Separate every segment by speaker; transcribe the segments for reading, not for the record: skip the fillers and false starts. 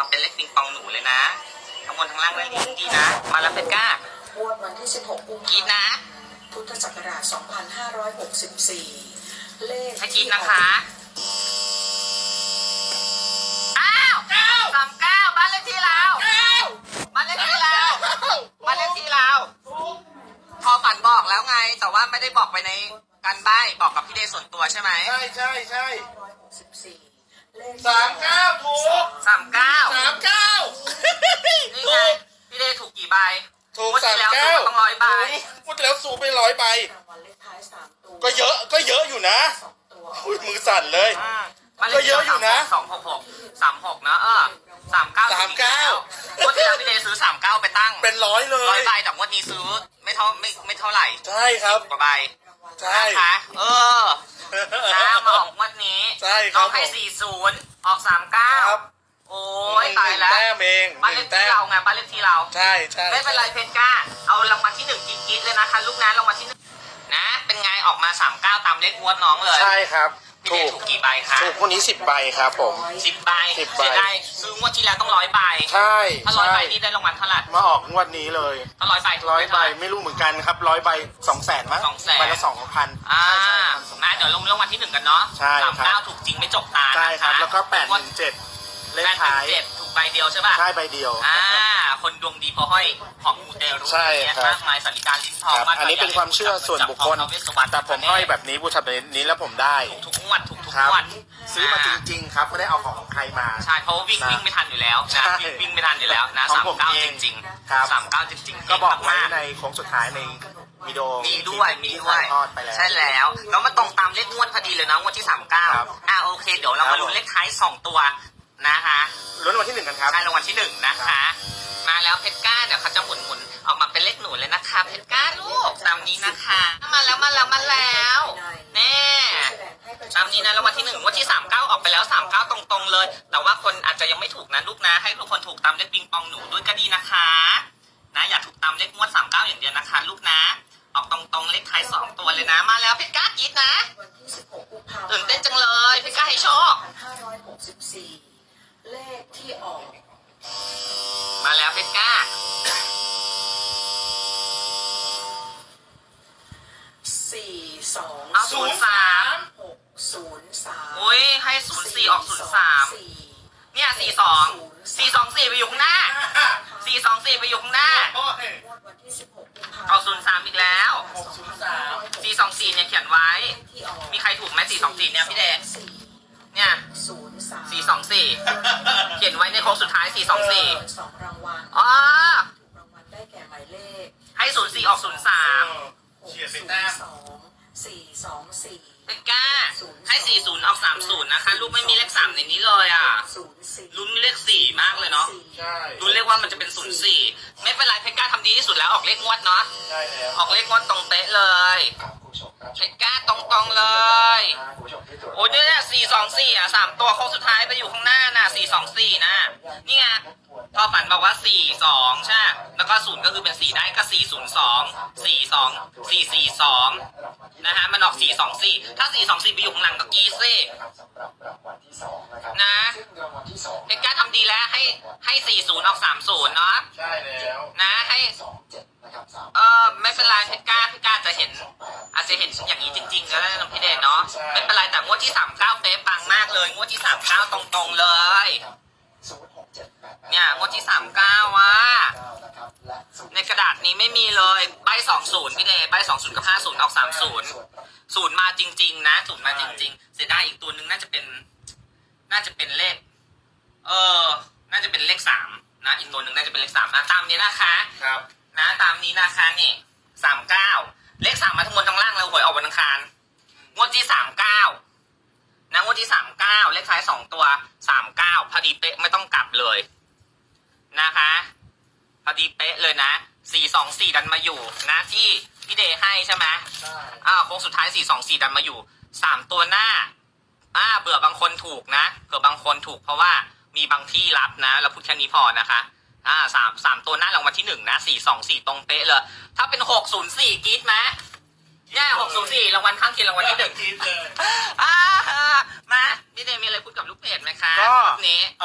Speaker 1: มาเป็นเลขปิงปองหนูเลยนะทั้งบนทั้งล่างเลยดีนะมาแล้วเป็นก้าง
Speaker 2: วดวันที่16 กุมภาพันธ์
Speaker 1: กินนะ
Speaker 2: พุทธศักราช 2564 เลข
Speaker 1: ให้กินนะคะอ้าว39บ้านเลขที่เราบ้านเลขที่เราบ้านเลขที่เราพอฝันบอกแล้วไงแต่ว่าไม่ได้บอกไปในการใบ้บอกกับพี่เดย์ส่วนตัวใช่ไหม
Speaker 3: ใช่
Speaker 2: 164เลข
Speaker 3: 39ถูก
Speaker 1: 39
Speaker 3: 39
Speaker 1: นี่ไงพี่เดย์ถูกกี่ใบ
Speaker 3: ถูก
Speaker 1: งวดที่แล้วถูกต้อง100 ใบ
Speaker 3: พูดแล้วสูบไป100 ใบ
Speaker 2: รางวัลเลขท้าย3 ตัว
Speaker 3: ก็เยอะอยู่นะ
Speaker 2: 2 ตัว
Speaker 3: อุ๊ยมือสั่นเลย
Speaker 1: ก็เยอะอยู่นะ266นะ39 งวดที่แล้วพี่เดย์ซื้อ39ไปตั้ง
Speaker 3: เป็น100เลย
Speaker 1: 100 ใบแต่งวดนี้ซื้อไม่เท่าไหร่
Speaker 3: ใช่ครับ
Speaker 1: 10 กว่าใบ
Speaker 3: ใช่
Speaker 1: นะคะนะมาออกงวดนี้
Speaker 3: ใช่ครับ
Speaker 1: น้องให้40ออก39โอ้ยตายแล้ว
Speaker 3: แต้มเอง
Speaker 1: บ้านเลขที่เราไงบ้านเลขที่เรา
Speaker 3: ใช่
Speaker 1: ไม่เป็นไรเพชรก้าเอารางวัลที่1กิ๊ดๆเลยนะคะลูกนะรางวัลที่1นะเป็นไงออกมา39ตามเลขงวดน้องเลย
Speaker 3: ใช่ครับ
Speaker 1: พี่เดย์ถูกกี่ใบคะ
Speaker 3: ถูกคนนี้10 ใบครับผม
Speaker 1: 10 ใบ
Speaker 3: 10 ใบ
Speaker 1: เสียดายซื้องวดที่แล้วต้อง100 ใบ
Speaker 3: ใช่
Speaker 1: ถ้า100 ใบนี่ได้รางวัลเท่าไหร่
Speaker 3: มาออกงวดนี้เลย
Speaker 1: ถ้า100 ใบถูก
Speaker 3: 100
Speaker 1: ได้
Speaker 3: ใบ
Speaker 1: เท่าไหร่
Speaker 3: ไม่รู้เหมือนกันครับ100 ใบ200,000มั้ง
Speaker 1: 200,000
Speaker 3: ใบละ2,000
Speaker 1: อ่า
Speaker 3: ใช่ครับ
Speaker 1: นะเดี๋ยวลงรางวัลที่1กันเนาะ
Speaker 3: ใช่ครับ
Speaker 1: 39ถูกจริงไม่จกตา
Speaker 3: ใช่ครับ
Speaker 1: นะะ
Speaker 3: แล้วก็
Speaker 1: งวด
Speaker 3: 817เลขท้าย
Speaker 1: 817ถูกใบเดียวใช่ป่ะ
Speaker 3: ใช่ใบเดียว
Speaker 1: คนดวงดีเพอห้อยของมูเตลู
Speaker 3: ใช่ครับ
Speaker 1: มากมายสาริการลิ้นทอง
Speaker 3: ครับ
Speaker 1: มากมาย
Speaker 3: อันนี้เป็นความเชื่อส่วนบุคคล แต่ผมห้อยแบบนี้บูชาแบบนี้แล้วผมได้
Speaker 1: ทุกงวดทุก
Speaker 3: ครับ
Speaker 1: งวด
Speaker 3: ซื้อมาจริงๆครับไม่ได้เอาของใครมา
Speaker 1: ใช่เพราะว่าวิ่ง
Speaker 3: นะ
Speaker 1: วิ่งไม่ทันอยู่แล้ว
Speaker 3: ใช่
Speaker 1: นะวิ่งไม่ทันอยู่แล้วนะ
Speaker 3: ของผม
Speaker 1: 39
Speaker 3: เอ
Speaker 1: จ
Speaker 3: ง
Speaker 1: ริง
Speaker 3: ครับ
Speaker 1: 39จริงๆ
Speaker 3: ก็บอกไว้
Speaker 1: เง
Speaker 3: ในโค้งสุดท้ายในวิดีโอ
Speaker 1: มีด้วย
Speaker 3: ที่ถ่ายทอดไปแล้ว
Speaker 1: ใช่แล้วแล้วมาตรงตามเลขงวดพอดีเลยนะงวดที่
Speaker 3: ครับ
Speaker 1: 39โอเคเดี๋ยวเรา
Speaker 3: ครั
Speaker 1: มา
Speaker 3: บ
Speaker 1: ลุ้นเลขท้าย2ตัวนะคะ
Speaker 3: ลุ้นวันที่ 1กันครับ
Speaker 1: ใช่รางวัลที่1นะคะ มาแล้วเพชรก้าเดี๋ยวเขาจะหมุนออกมาเป็นเลขหนูเลยนะคะเพชรก้าลูกตามนี้นะคะมาแล้วแน่ตามนี้นะรางวัลที่1งวดที่39ออกไปแล้ว39ตรงๆเลย แต่ว่าคนอาจจะยังไม่ถูกนะลูกนะให้ทุกคนถูกตามเลขปิงปองหนูด้วยก็ดีนะคะนะอย่าถูกตามเลขงวด39อย่างเดียวนะคะลูกนะออกตรงๆเลขท้าย2ตัวเลยนะมาแล้วเพชรก้าจี๊ดนะ
Speaker 2: วันที่16 กุมภาพันธ์
Speaker 1: ตื่นเต้นจังเลยเพชรก้าให้โชค
Speaker 2: 2564 เลขที่ออก
Speaker 1: มาแล้วเพชรก้า
Speaker 2: 42
Speaker 1: เอา 03
Speaker 2: 603
Speaker 1: อุ้ยให้04ออก03เนี่ย42ไปอยู่ข้างหน้า424ไปอยู่ข้างหน้า
Speaker 2: วันที่16 กุมภาพันธ์
Speaker 1: เอา03อีกแล้ว424เนี่ยเขียนไว้
Speaker 2: ที่ออก
Speaker 1: มีใครถูกไหม424เนี่ยพี่เดชเนี่ย
Speaker 2: 03
Speaker 1: 424เขียนไว้ในโค้งสุดท้าย424
Speaker 2: 2 รางวัล
Speaker 1: อ๋อ
Speaker 2: ถูกรางวัลได้แก่หมายเลข
Speaker 1: ให้04ออก03
Speaker 3: เฉียดไปแต้ม
Speaker 2: 424
Speaker 1: เป็นก้าให้40ออก30นะคะลูกไม่มีเลข3ในนี้เลยอ่ะ
Speaker 2: 04
Speaker 1: ลุ้นเลข4มากเลยเนาะ
Speaker 3: ใช่
Speaker 1: ลุ้นเลขว่ามันจะเป็น04ไม่เป็นไรเพชรก้าทำดีที่สุดแล้วออกเลขงวดเนาะ
Speaker 3: ใช่แล้ว
Speaker 1: ออกเลขงวดตรงเป๊ะเลยเพชรก้าตรงๆเลย โอ้ยเนี่ย424อ่ะ3ตัวโค้งสุดท้ายไปอยู่ข้างหน้าน่ะ424นะนี่ไงพอฝันบอกว่า42ใช่แล้วก็0ก็คือเป็น4ได้ก็402 42 442นะฮะมันออก424ถ้า424ไปอยู่ข้างหลังก็กีซี่นะเพชรก้าทำดีแล้วให้40ออก30เนาะ
Speaker 3: ใช่แล้ว
Speaker 1: นะให้ไม่เป็นไรเพชรก้าจะเห็นอาจจะเห็นอย่างนี้จริงๆก็ได้นะพี่เดชเนาะไม่เป็นไรแต่งวดที่39เป๊ะปังมากเลยงวดที่39ตรงๆเลยเนี่ยงวดที่39ว่ะในกระดาษนี้ไม่มีเลยใบ20พี่เดชใบ20กับ50ออก30 0มาจริงๆนะ0มาจริงๆเสียดายอีกตัวนึงน่าจะเป็นเลขน่าจะเป็นเลข3นะอีกตัวนึงน่าจะเป็นเลข3นะตามนี้นะคะ
Speaker 3: ครับ
Speaker 1: นะตามนี้นะคะนี่39เลข3มาทั้งบนทั้งล่างแล้วหวยออกวันอังคารงวดที่39นะงวดที่39เลขท้าย2ตัว39พอดีเป๊ะไม่ต้องกลับเลยนะคะพอดีเป๊ะเลยนะ424ดันมาอยู่นะที่พี่เดย์ให้ใช่ไหม
Speaker 3: ใช่
Speaker 1: โค้งสุดท้าย424ดันมาอยู่3ตัวหน้าเบื่อบางคนถูกนะเผื่อบางคนถูกเพราะว่ามีบางที่รับนะเราพูดแค่นี้พอนะคะสามตัวหน้ารางวัลที่1นะ424ตรงเป๊ะเลยถ้าเป็น604กรี๊ดไหมเนี่ย604รางวัลข้างเคียงรางวัลที่1
Speaker 3: กินเลย
Speaker 1: มาพี่เดย์มีอะไรพูดกับลูกเพจไหมคะ
Speaker 3: ก็
Speaker 1: รอบนี้ถูก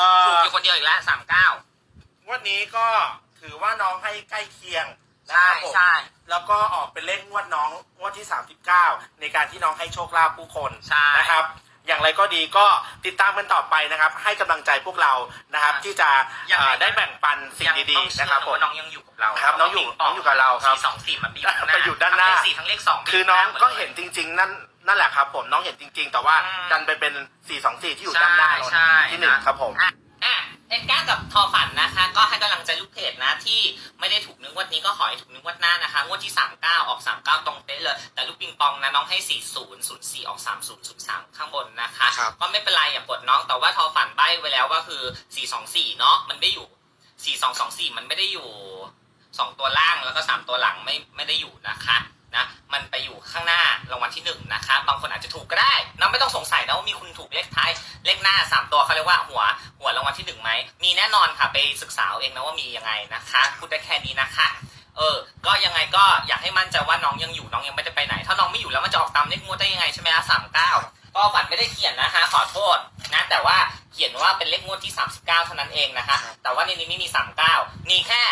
Speaker 1: อยู่คนเดียวอีกแล้ว39
Speaker 3: งวดนี้ก็ถือว่าน้องให้ใกล้เคียงนะครับผม
Speaker 1: ใช่
Speaker 3: แล้วก็ออกเป็นเลขงวดน้องงวดที่39ในการที่น้องให้โชคลาภผู้คน
Speaker 1: ใช่
Speaker 3: นะครับ อย่างไรก็ดีก็ติดตามกันต่อไปนะครับ ให้กำลังใจพวกเรานะครับ ที่จะได้แบ่งปันสิ่งดีๆนะครับผม
Speaker 1: น้องยังอยู่กับเรา
Speaker 3: ครับน้องอยู่กับเราครับ
Speaker 1: 424มันไปอยู่ข้างหน้า
Speaker 3: ไปอยู่ด้านหน้า
Speaker 1: ทั้งเลข4ทั้งเลข2
Speaker 3: คือน้องก็เห็นจริง ๆ นั่นแหละครับผมน้องเห็นจริง ๆ แต่ว่าดันไปเป็น424ที่อยู่ด้านหน้า
Speaker 1: ใช่
Speaker 3: ที่หนึ่งครับผม
Speaker 1: เอ็นก้ากับทอฝันนะคะ ก็ให้กำลังใจลูกเพจนะที่ไม่ได้ถูกนึกงวดนี้ก็ขอให้ถูกนึกงวดหน้านะคะงวดที่39ออก39ตรงเป๊ะเลยแต่ลูกปิงปองนะน้องให้4004ออก3003ข้างบนนะคะ
Speaker 3: ครับ
Speaker 1: ก็ไม่เป็นไรอย่ากดน้องแต่ว่าทอฝันใบ้ไว้แล้วก็คือ424เนาะมันไม่อยู่4224มันไม่ได้อยู่2ตัวล่างแล้วก็3ตัวหลังไม่ได้อยู่นะคะนะมันไปอยู่ข้างหน้ารางวัลที่1นะคะบางคนอาจจะถูกก็ได้นะไม่ต้องสงสัยนะว่ามีคุณถูกเลขท้ายเลขหน้า3ตัวเขาเรียกว่าหัวรางวัลที่1ไหมมีแน่นอนค่ะไปศึกษาเอาเองนะว่ามียังไงนะคะพูดได้แค่นี้นะคะก็ยังไงก็อยากให้มั่นใจว่าน้องยังอยู่น้องยังไม่ได้ไปไหนถ้าน้องไม่อยู่แล้วมันจะออกตามเลขงวดได้ยังไงใช่ไหมคะ39ก็ฝันไม่ได้เขียนนะคะขอโทษนะแต่ว่าเขียนว่าเป็นเลขงวดที่39เท่านั้นเองนะคะแต่ว่าในนี้ไม่มี39มีแค่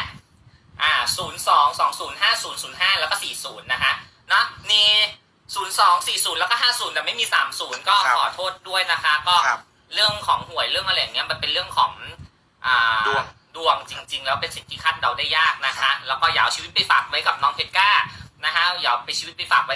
Speaker 1: 02205005แล้วก็40นะคะเนาะมี0240แล้วก็50แต่ไม่มี30ก็ขอโทษด้วยนะคะก็เรื่องของหวยเรื่องอะไรอย่างเงี้ยมันเป็นเรื่องของดวงจริง ๆ แล้วเป็นสิ่งที่คาดเดาได้ยากนะคะแล้วก็อย่าเอาชีวิตไปฝากไว้กับน้องเพชรก้านะคะอย่าเอาไปชีวิตไปฝากไว้